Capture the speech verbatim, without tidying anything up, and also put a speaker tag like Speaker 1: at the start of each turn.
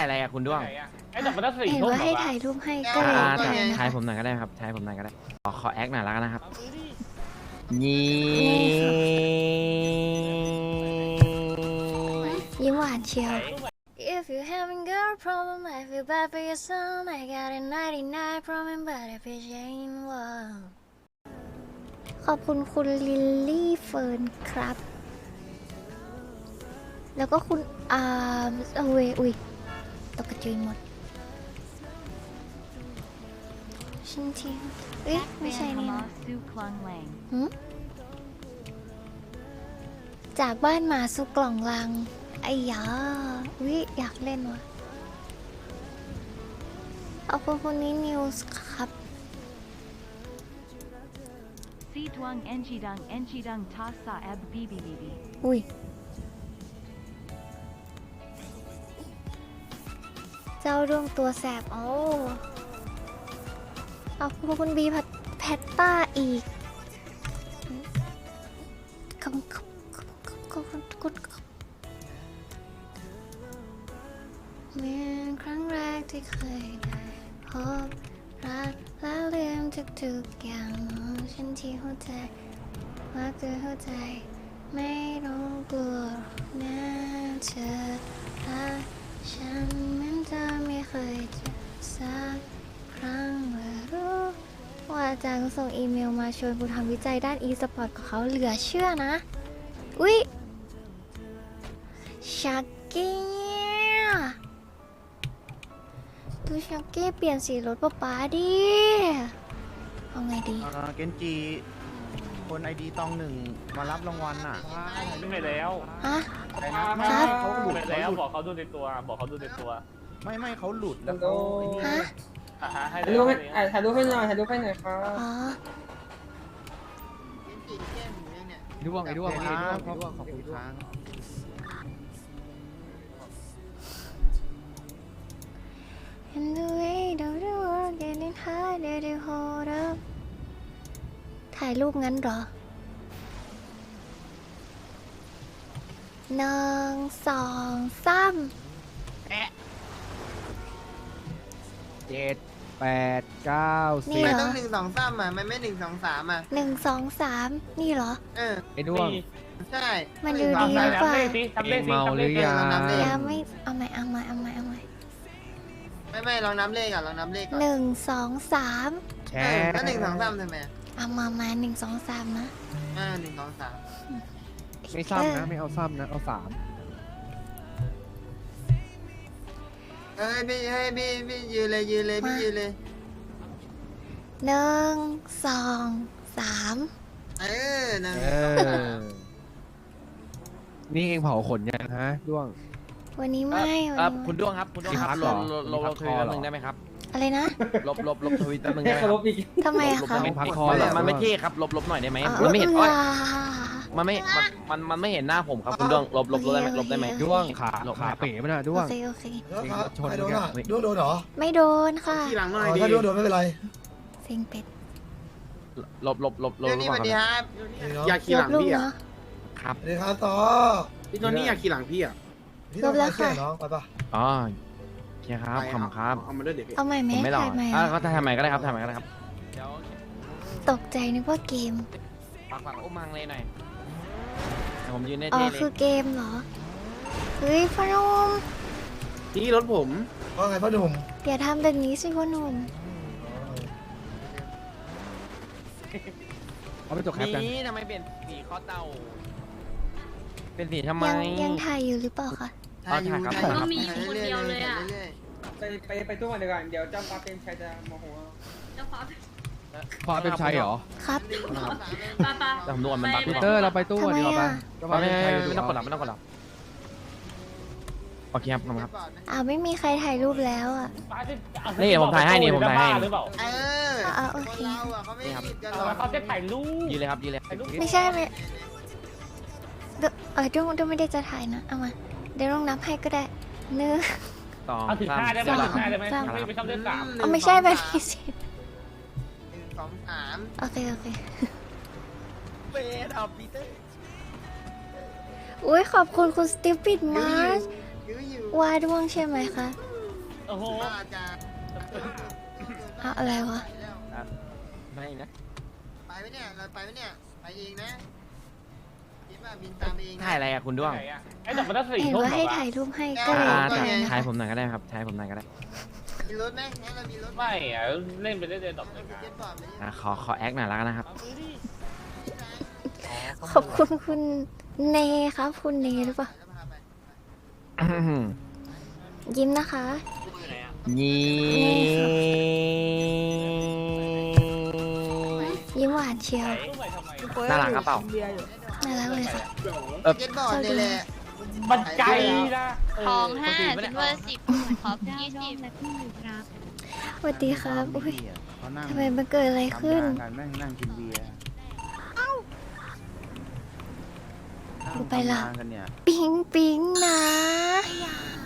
Speaker 1: อะไรอะคุณด้วง
Speaker 2: ไอ้แต่มันต้องสี่
Speaker 3: เห็น
Speaker 2: ทุ่ม
Speaker 3: ว่า
Speaker 2: เหร
Speaker 3: ให้
Speaker 2: อวะ
Speaker 3: ถ่ายรูปให้
Speaker 1: อ่
Speaker 3: ก็เลย
Speaker 1: า
Speaker 3: ถ่ายนะ
Speaker 1: ถ่าย
Speaker 3: คะ
Speaker 1: ผมหน่อยก็ได้ครับถ่ายผมหน่อยก็ได้ขอขอแอคหน่อยแล้วกันนะครับนี
Speaker 3: ยิ้มหวานเชียว If you having girl problem I feel bad for your son I got a ninety-nine problem but if it ain't one ขอบคุณคุณลิลลี่เฟิร์นครับ แล้วก็คุณอาร์มเอาเวยอุ้ยตกกระจุยหมดชินทิงเอ้ยไม่ใช่นี่นะหืมจากบ้านหมาสู่กล่องลังไอ้ยาวิอยากเล่นวะเอาคนคนนี้นิวส์ครับ
Speaker 4: ซีทวงเอ็นจีดังเอ็นจีดังทาสาแอบบีบีบีบี
Speaker 3: อุ้ยเจ้าดวงตัวแสบโอ้เอาพวกคุณบีพัดแพตต้าอีกขอบคุณขอบคุณขอบคุณเมื่อครั้งแรกที่เคยได้พบรักแล้วลืมทุกๆอย่างฉันที่หัวใจว่าเธอหัวใจไม่ต้องกลัวนะเธอรักฉันเหมือนเธอไม่เคยเจอสักครั้งว่ารู้ว่าอาจารย์ส่งอีเมลมาชวนกูทำวิจัยด้าน e-sport กับเขาเหลือเชื่อนะอุ๊ยชักกี้ดูชักกี้เปลี่ยนสีรถป๊าป๊าดิเอาไงดี
Speaker 5: อ่าเกนจิคนไอดีตองหนึ่งมารับรางวัลน่ะ
Speaker 2: ไม่ไปแล้ว
Speaker 3: ฮะ
Speaker 5: อะไรนะไม่
Speaker 3: ครับ
Speaker 5: ไม่เขาหลุด
Speaker 2: ไป
Speaker 5: เขา
Speaker 2: แล้ว
Speaker 5: หลุด
Speaker 2: บอกเขาดูในตัว บอกเขาดูในตัว
Speaker 5: ไม่ไม่เขาหลุดแล้วเขาไอ้นี่
Speaker 3: ฮะ
Speaker 2: อ่ะฮะให้
Speaker 6: ถ่ายรูปให้อ่ะถ่ายรูปให้หน่อยถ่ายรูปให้หน่อยครับ
Speaker 3: อ๋อ
Speaker 1: ด้วงไอ้ด้วง
Speaker 5: ค
Speaker 1: ไอ้
Speaker 5: รับ
Speaker 1: ด้วง
Speaker 5: ขอบขอบคุณครับ
Speaker 3: And the way the world getting harder to hold up ถ่ายรูปงั้นเหรอหนึ่งสองสาม
Speaker 1: เจ็ดแปดเก้า
Speaker 3: นี่
Speaker 1: สิบ
Speaker 3: เหร
Speaker 7: ต้
Speaker 3: อ
Speaker 7: องหนึ่งสองสามอ่ะมันไม่หนึ่งสองสามอ่ะ
Speaker 3: หนึ่งสองสามนี่เหรอ
Speaker 7: เออ
Speaker 1: ไอ้ด้วง
Speaker 7: ใช่
Speaker 3: มันดู
Speaker 2: ทำ
Speaker 3: ดี
Speaker 2: เล
Speaker 3: หรือเปล่า
Speaker 2: ขสิทำเลขสิ
Speaker 1: เมา
Speaker 2: ทำ
Speaker 1: ห
Speaker 2: เล
Speaker 1: รื
Speaker 2: ข
Speaker 1: อ
Speaker 2: สิ
Speaker 1: ยัง
Speaker 3: ยังไม่เอาใหม่เอาใหม่เอาใหม่เอาใหม่เอาใหม่
Speaker 7: ไม่ไม่ลองนับเลขอ่ะลองนับเลขก่อน
Speaker 3: หนึ่งสองสาม
Speaker 1: แช
Speaker 7: เออ
Speaker 1: ร์
Speaker 7: ก็หนึ่งสองสามทำไม
Speaker 3: เอามามาหนึ่งสองสามนะ
Speaker 7: อ่าหนึ่งสองสาม
Speaker 1: ไม่ซ้ำนะไม่เอาซ้ำนะเอาสาม
Speaker 7: เอ้ยพี่เฮ้ยพี่พี่ยืนเลยยืนเลยพี่ยืนเลย
Speaker 3: หนึ่งสองสาม
Speaker 7: เออนั่น
Speaker 1: เออนี่เองเผาขนยังฮะด้วง
Speaker 3: วันนี้ไม่
Speaker 1: เอ
Speaker 3: วัน
Speaker 1: อ
Speaker 3: นี้
Speaker 1: คุณด้วงครับคุณด้วงครับ
Speaker 3: ครับ
Speaker 1: ลบลบลบลบทวิตแป๊บนึงได้ไหมครับ
Speaker 3: อะไรนะ
Speaker 1: ลบลบลบทวิตแป๊บนึง
Speaker 6: ให้
Speaker 1: ได้ไหม
Speaker 6: เคา
Speaker 1: ค
Speaker 6: ร
Speaker 1: รับ
Speaker 6: พอีก
Speaker 3: ทำไมอะคะ
Speaker 1: มันพักคอเหรอมันไม่เท่ครับลบลบหน่อยได้ไหม
Speaker 3: อ๋อ
Speaker 1: มันไม่เห็น
Speaker 3: เอ
Speaker 1: อ้
Speaker 3: อ
Speaker 1: อยมันไม่มันมันมันไม่เห็นหน้าผมครับคุณด้วงลบลบลบได้ไหมลบได้ไหม
Speaker 3: ด้วง
Speaker 1: ขา
Speaker 8: ลบ
Speaker 1: ขาเป๋มันอะด้
Speaker 3: โอ
Speaker 1: วง
Speaker 3: เคโอเค
Speaker 8: แล้วครับ
Speaker 1: ชน
Speaker 8: ใครโดน
Speaker 1: กัน
Speaker 8: อ่ะ
Speaker 1: เฮ้ย
Speaker 8: ด้วงโดนเหรอ
Speaker 3: ไม่โดนค่ะ
Speaker 7: ทีหลังหน่
Speaker 8: อ๋
Speaker 7: อย
Speaker 8: อ
Speaker 7: ดิ
Speaker 8: ถ้าด้วงโดนไม่เป็นไร
Speaker 3: เซ็งเป็ด
Speaker 1: ลบลบลบลบ
Speaker 7: เดี๋ยว
Speaker 1: ล
Speaker 7: นี้
Speaker 1: บ
Speaker 7: สวัสดีครับ
Speaker 8: นี่เนาะ
Speaker 7: อยากขี่หลัง
Speaker 3: รูป
Speaker 7: พี่อ่ะ
Speaker 3: เนาะ
Speaker 1: ครับ
Speaker 8: สวัสดีครับต่อ
Speaker 7: พี่โทนี่อยากขี่หลังพี่อ่ะ
Speaker 8: พี่ต้อง
Speaker 3: ลบแล้ว
Speaker 8: มาเชื่อ
Speaker 3: ค่ะ
Speaker 8: น้องไปปะ
Speaker 1: อ๋อโอเคครับขอบคุณครับ
Speaker 7: เอามาด้วยเดี๋ยวพี่
Speaker 3: เอาใหม่ไหม
Speaker 1: ผมไม่หลอก
Speaker 3: ถ่ายใหม่
Speaker 1: อ่ะ
Speaker 3: อะ
Speaker 1: ก็ทำใหม่ก็ได้ครับทำใหม่ก็ได้ครับเดี๋ยว
Speaker 3: ตกใจนึกว่าเกม
Speaker 1: ฝากฝากอุ้มมังเลยหน่อยให้ผมยืนได้
Speaker 3: อ๋อ
Speaker 1: เท่เล
Speaker 3: คือย เกมเหรอ เฮ้ยพ่อหนุ่ม
Speaker 7: นี่รถผม
Speaker 8: ว่าไงพ่อหนุ่ม
Speaker 3: อย่าทำแบบนี้สิพ่อหนุ่ม
Speaker 1: เอาไปจบแคปกันนี่ทำไมเปลี่ยนสีข้อเต่าเป็นสีทำไม
Speaker 3: ยังยังถ่ายอยู่หรือเปล่าคะ
Speaker 1: เอาถ่ายครับ
Speaker 7: ถ่าย
Speaker 9: ก็มีอยู่คนเดียวเลยอะ
Speaker 7: รื่ย
Speaker 6: ไปไปไปตู้ก่อนดีกว่าเดี๋ยวเจ้าฟ้าเป็นชัยจะโมโหเอา
Speaker 9: เจ้าฟ้า
Speaker 1: พอเป็นชัยเหรอ
Speaker 3: ครับ
Speaker 7: ๆหนึ่งสองสาม
Speaker 9: ป้าป้า
Speaker 1: แต่ผมดูก่อนมันบัก
Speaker 9: ไป
Speaker 1: พีเตอร์เราไปตู้
Speaker 3: ทำไม
Speaker 1: ดีกว่า
Speaker 3: อะ
Speaker 1: ปะไม่ไม่ไม่ไม่ต้องกดหลับไม่ต้องกดหลับโอเคครับขอบคุณครับ
Speaker 3: อ้าวไม่มีใครถ่ายรูปแล้วอ่ะ
Speaker 1: นี่ผมถ่ายให้นี่ผมถ่ายให้
Speaker 2: หรือเปล่า
Speaker 7: เออ
Speaker 3: อ่ะโอเค
Speaker 7: คนเราอ่ะเขาไม่ได้ผิดกันหร
Speaker 2: เอา
Speaker 7: อก
Speaker 2: แล้วเขาจะถ่ายรูป
Speaker 1: ยืนเลยครับยืนเลย
Speaker 2: ถ่ายรูป
Speaker 3: ไม่ใช่ไหมเดี๋ยวเออด้วงด้วงไม่ได้จะถ่ายนะ เอามา เดี๋ยวลองนับให้ก็ได้เนื้อ
Speaker 1: สอง
Speaker 2: เอาถึง
Speaker 1: สาม
Speaker 2: ห้าได้ไหม
Speaker 1: สี่
Speaker 2: ถึงห้าได้ไหม
Speaker 3: สาม
Speaker 2: ไม่ไปชอบเล่นสาม
Speaker 3: เอาไม่ใช่แบบนี้สิ
Speaker 7: หนึ่งสองสาม
Speaker 3: โอเคโอเค
Speaker 1: เบสเอาพีเตอร์
Speaker 3: อุ้ยขอบคุณคุณสติปิดมาร์ช
Speaker 7: ยื้ออยู่
Speaker 3: วาดวงใช่ไหมคะ
Speaker 7: อ
Speaker 2: โอ้โห
Speaker 7: บ้าจ้า
Speaker 3: เอาอะไรวะ
Speaker 1: ไม่นะ
Speaker 7: ไปไหมเนี่ยเราไปไหมเนี่ยไปเองนะคิดว่าบินตามเองนะ
Speaker 1: ถ่ายอะไรอะคุณด้วง
Speaker 2: ไหนอะไอ้แต่มันต้องสี่
Speaker 3: เห็น
Speaker 2: ทุ่ม
Speaker 3: ว่า
Speaker 2: เหร
Speaker 3: ให้
Speaker 2: อวะ
Speaker 3: ถ่ายรูปให้
Speaker 7: อ่า
Speaker 3: ก็เลย
Speaker 1: อ่า
Speaker 3: ถ่ายนะ
Speaker 1: ถ่าย
Speaker 3: คะ
Speaker 1: ผมหน่อยก็ได้ครับถ่ายผมหน่อยก็ได้
Speaker 7: มีรถไหมงั้นเรามีรถห
Speaker 2: ไม่อะเล่นไปเรื่อยๆดอกเลย
Speaker 7: เจ็ตบอร์ดเลย
Speaker 1: อ่ะขอขอแอคหน่อยแล้วกันนะครับ
Speaker 3: ขอบคุณคุณเนครับ คุณเนหรือเปล่า
Speaker 7: แล้วพาไป
Speaker 3: ยิ้มนะคะ
Speaker 1: นี่
Speaker 3: ยิ้มหวานเชียว
Speaker 2: ตู้ใหม่ทำไม
Speaker 1: น่ารักกระเป๋า
Speaker 3: น่ารักเลยค่ะ
Speaker 7: เจ็ตบอร์ดนี่แหละ
Speaker 2: มันไกลนะ
Speaker 8: ทองห้าซิลเวอร์สิบท็อปยี่สิบ
Speaker 3: สวัสดีครับ อุ้ย
Speaker 5: เขานั่ง
Speaker 3: ทำไมมันเกิดอะไรขึ้น
Speaker 5: ทำงากันแม่งนั่งกินเบียร์
Speaker 3: กูไปละ
Speaker 5: นั่งทำงานกันเนี่ย
Speaker 3: ปิ๊งปิ๊งนะ